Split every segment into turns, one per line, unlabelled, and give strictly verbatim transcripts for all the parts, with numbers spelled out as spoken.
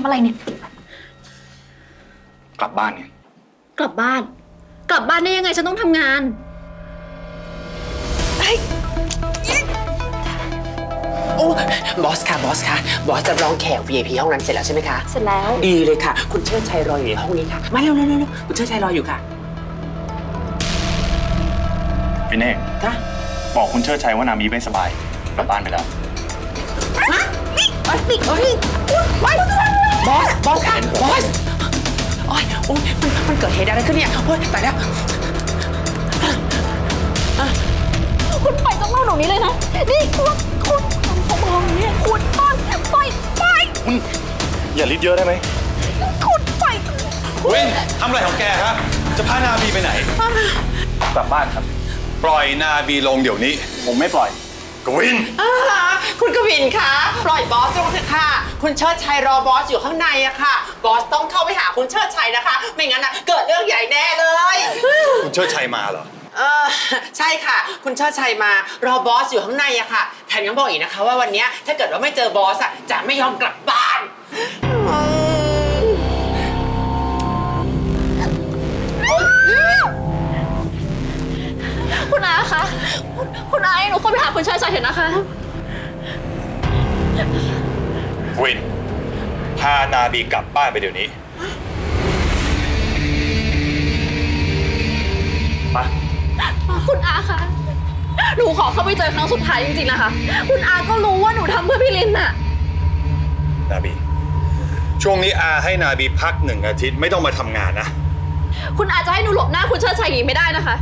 ำอะไรเนี่ย
กลับบ้านเนี่ย
กลับบ้าน กลับบ้านได้ยังไงฉันต้องทำงาน
โอ้บอสค่ะบอสค่ะบอสจะรองแขก วี ไอ พี ห้องนั้นเสร็จแล้วใช่ไหมคะ
เสร็จแล้ว
ดีเลยค่ะคุณเชิดชัยรออยู่ในห้องนี้ค่ะมาเร็วเร็วเร็วคุณเชิดชัยรออยู่ค่ะ
พี่เน่
ค่ะ
บอกคุณเชิดชัยว่านามีไม่สบายกลับบ้านไปแล้ว
บอสปิดปิด
บอสบอสค่ะบอสโอ้ยโอ้ยมันมันเกิดเหตุอะไรขึ้นเนี่ยโอ้ยตายแล้ว
คุณปล่อยต้องเล่าหนูนี้เลยนะนี่คุณคุณผมมองเนี่ยคุณต้นปล่อยปล่อย
คุณอย่าลิดเยอะได้ไหม
คุณปล่อย
วินทำอะไรของแกฮะจะพานาบีไปไหน
กลับบ้านครับ
ปล่อยนาบีลงเดี๋ยวนี้
ผมไม่ปล่อย
กวิน
คุณกวินคะปล่อยบอสลงเถอะค่ะคุณเชิดชัยรอบอสอยู่ข้างในอะค่ะบอสต้องเข้าไปหาคุณเชิดชัยนะคะไม่งั้นนะเกิดเรื่องใหญ่แน่เลย
คุณเชิดชัยมาเหรอ
เออใช่ค่ะคุณเชิดชัยมารอบอสอยู่ข้างในอะค่ะแถมยังบอกอีกนะคะว่าวันนี้ถ้าเกิดว่าไม่เจอบอสอะจะไม่ยอมกลับบ้าน
คุณอาคะคุณอาหนูขอไปหาคุณเชิดชัยเถอะนะคะ
วินพานาบีกลับบ้านไปเดี๋ยวนี้
ไป
คุณอาคะหนูขอเข้าไปเจอครั้งสุดท้ายจริงๆนะคะคุณอาก็รู้ว่าหนูทำเพื่อพี่ลินน่ะ
นาบีช่วงนี้อาให้นาบีพักหนึ่งอาทิตย์ไม่ต้องมาทำงานนะ
คุณอาจะให้หนูหลบหน้าคุณเชิดชัยอย่างนี้ไม่ได้นะคะ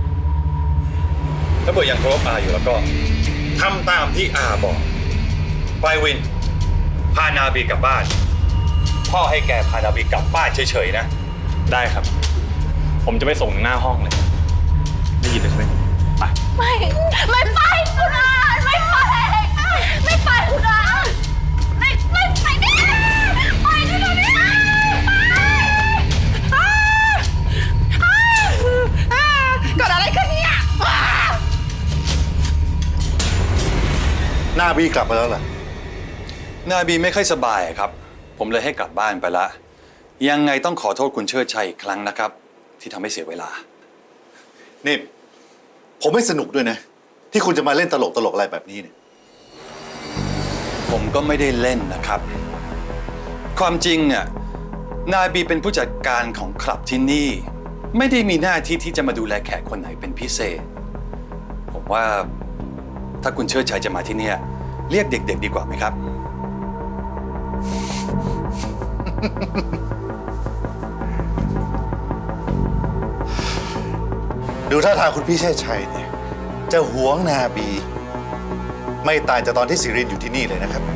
ถ้าเกิดยังเคารพอาอยู่แล้วก็ทำตามที่อาบอกไปวินพานาบีกลับบ้านพ่อให้แกพานาบีกลับบ้านเฉยๆนะ
ได้ครับผมจะไปส่งถึงหน้าห้องเลยได้ยินเลยใช่ไหมไป
ไม่ไม่ไปคุณอาไม่ไปไม่ไปคุณอาไม่ไม่ไปดิไปดิไปดิ
เกิดอะไรขึ้นเนี่ย
นาบีกลับมาแล้วล่ะนาบีไม่ค่อยสบายครับผมเลยให้กลับบ้านไปละยังไงต้องขอโทษคุณเชิดชัยอีกครั้งนะครับที่ทำให้เสียเวลา
นี่ผมไม่สนุกด้วยนะที่คุณจะมาเล่นตลกตลกอะไรแบบนี้เนี่ย
ผมก็ไม่ได้เล่นนะครับความจริงเนี่ยนาบีเป็นผู้จัดการของคลับที่นี่ไม่ได้มีหน้าที่ที่จะมาดูแลแขกคนไหนเป็นพิเศษผมว่าถ้าคุณเชิดชัยจะมาที่นี่เรียกเด็กๆดีกว่าไหมครับ
ดูท่าทางคุณพี่เชิดชัยเนี่ยจะหวงนาบีไม่ต่างจากตอนที่สิรินอยู่ที่นี่เลยนะครับ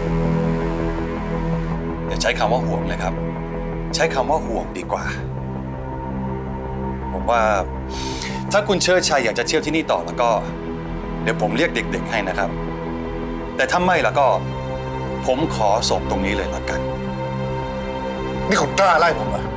อย่าใช้คำว่าห่วงเลยครับใช้คำว่าห่วงดีกว่าผมว่าถ้าคุณเชิดชัยอยากจะเที่ยวที่นี่ต่อแล้วก็เดี๋ยวผมเรียกเด็กๆให้นะครับแต่ถ้าไม่แล้วก็ผมขอส่งตรงนี้เลยละกัน
นี่คุณกล้าไล่ผมเหรอ